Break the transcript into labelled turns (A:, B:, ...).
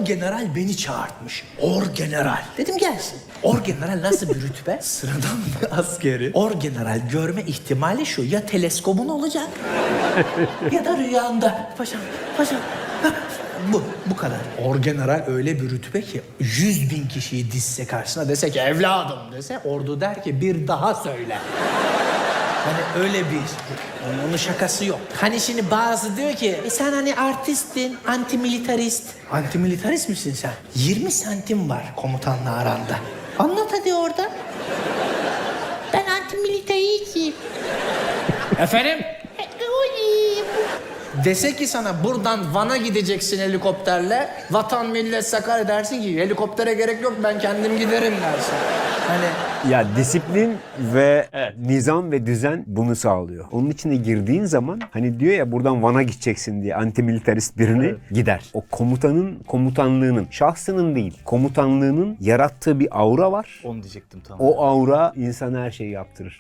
A: Orgeneral beni çağırtmış. Orgeneral. Dedim gelsin. Orgeneral nasıl bir rütbe? Sıradan bir askeri. Orgeneral görme ihtimali şu. Ya teleskobun olacak ya da rüyanda. Paşam, paşam. Bu kadar. Orgeneral öyle bir rütbe ki 100.000 kişiyi dizse karşısına dese ki evladım dese ordu der ki bir daha söyle. Hani öyle bir, onun şakası yok. Hani şimdi bazı diyor ki sen hani artistin, antimilitarist. Antimilitarist misin sen? 20 santim var komutanla aranda. Anlat hadi orada. Ben antimilitaristim. Efendim? Dese ki sana buradan Van'a gideceksin helikopterle. Vatan millet Sakarya dersin ki helikoptere gerek yok ben kendim giderim dersin. Hani
B: Ya disiplin ve nizam ve düzen bunu sağlıyor. Onun içine girdiğin zaman hani diyor ya buradan Van'a gideceksin diye antimilitarist birini gider. O komutanın komutanlığının, şahsının değil, komutanlığının yarattığı bir aura var.
C: Onu diyecektim tam.
B: O aura insana her şeyi yaptırır.